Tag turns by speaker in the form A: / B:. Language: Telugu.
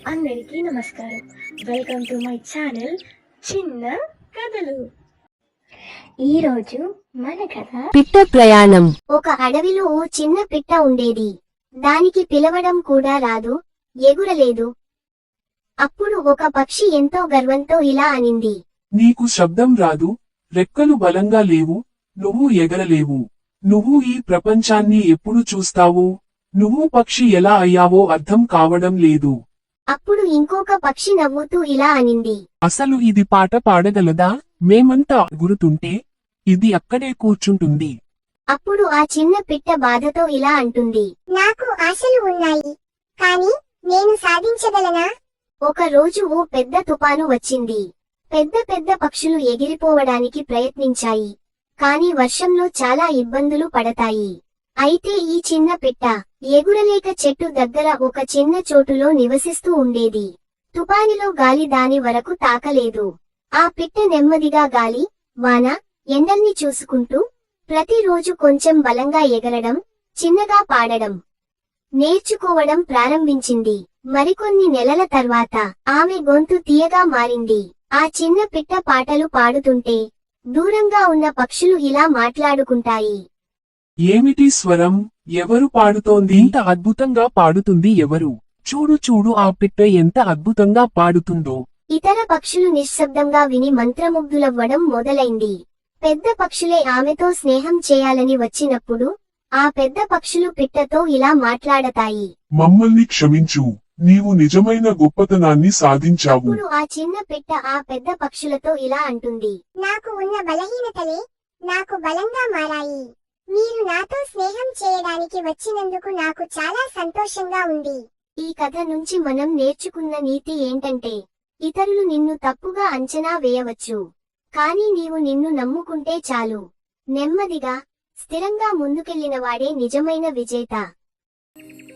A: అందరికీ నమస్కారం. వెల్కమ్ టు మై ఛానల్ చిన్న కథలు. ఈరోజు మన కథ
B: పిట్ట ప్రయాణం.
C: ఒక అడవిలో ఓ చిన్న పిట్ట ఉండేది. దానికి పిలవడం కూడా రాదు, ఎగురలేదు. అప్పుడు ఒక పక్షి ఎంతో గర్వంతో ఇలా అనింది.
D: నీకు శబ్దం రాదు, రెక్కలు బలంగా లేవు, నువ్వు ఎగరలేవు. నువ్వు ఈ ప్రపంచాన్ని ఎప్పుడు చూస్తావు? నువ్వు పక్షి ఎలా అయ్యావో అర్థం కావడం లేదు.
C: అప్పుడు ఇంకొక పక్షి నవ్వుతూ ఇలా అనింది.
D: అసలు ఇది పాట పాడగలదా? మేమంతా ఎగురుతుంటే ఇది అక్కడే కూర్చుంటుంది.
C: అప్పుడు ఆ చిన్న పిట్ట బాధతో ఇలా అంటుంది. నాకు ఆశలు ఉన్నాయి, కానీ నేను సాధించగలనా? ఒక రోజు ఓ పెద్ద తుపాను వచ్చింది. పెద్ద పెద్ద పక్షులు ఎగిరిపోవడానికి ప్రయత్నించాయి, కాని వర్షంలో చాలా ఇబ్బందులు పడతాయి. అయితే ఈ చిన్న పిట్ట ఎగురలేక చెట్టు దగ్గర ఒక చిన్న చోటులో నివసిస్తూ ఉండేది. తుపానిలో గాలి దాని వరకు తాకలేదు. ఆ పిట్ట నెమ్మదిగా గాలి, వాన, ఎండల్ని చూసుకుంటూ ప్రతిరోజు కొంచెం బలంగా ఎగరడం, చిన్నగా పాడడం నేర్చుకోవడం ప్రారంభించింది. మరికొన్ని నెలల తర్వాత ఆమె గొంతు తీయగా మారింది. ఆ చిన్న పిట్ట పాటలు పాడుతుంటే దూరంగా ఉన్న పక్షులు ఇలా మాట్లాడుకుంటాయి.
D: ఏమిటి స్వరం? ఎవరు పాడుతోంది? ఇంత అద్భుతంగా పాడుతుంది ఎవరు? చూడు చూడు, ఆ పిట్ట ఎంత అద్భుతంగా పాడుతుందో.
C: ఇతర పక్షులు నిశ్శబ్దంగా విని మంత్రముగ్ధులవ్వడం మొదలైంది. పెద్ద పక్షులే ఆమెతో స్నేహం చేయాలని వచ్చినప్పుడు ఆ పెద్ద పక్షులు పిట్టతో ఇలా మాట్లాడతాయి.
E: మమ్మల్ని క్షమించు, నీవు నిజమైన గొప్పతనాన్ని సాధించావు.
C: అప్పుడు ఆ చిన్న పిట్ట ఆ పెద్ద పక్షులతో ఇలా అంటుంది. నాకు ఉన్న బలహీనతలే నాకు బలంగా మారాయి. మీరు నాతో స్నేహం చేయడానికి వచ్చినందుకు నాకు చాలా సంతోషంగా ఉంది. ఈ కథ నుంచి మనం నేర్చుకున్న నీతి ఏంటంటే, ఇతరులు నిన్ను తప్పుగా అంచనా వేయవచ్చు, కానీ నీవు నిన్ను నమ్ముకుంటే చాలు. నెమ్మదిగా, స్థిరంగా ముందుకెళ్లినవాడే నిజమైన విజేత.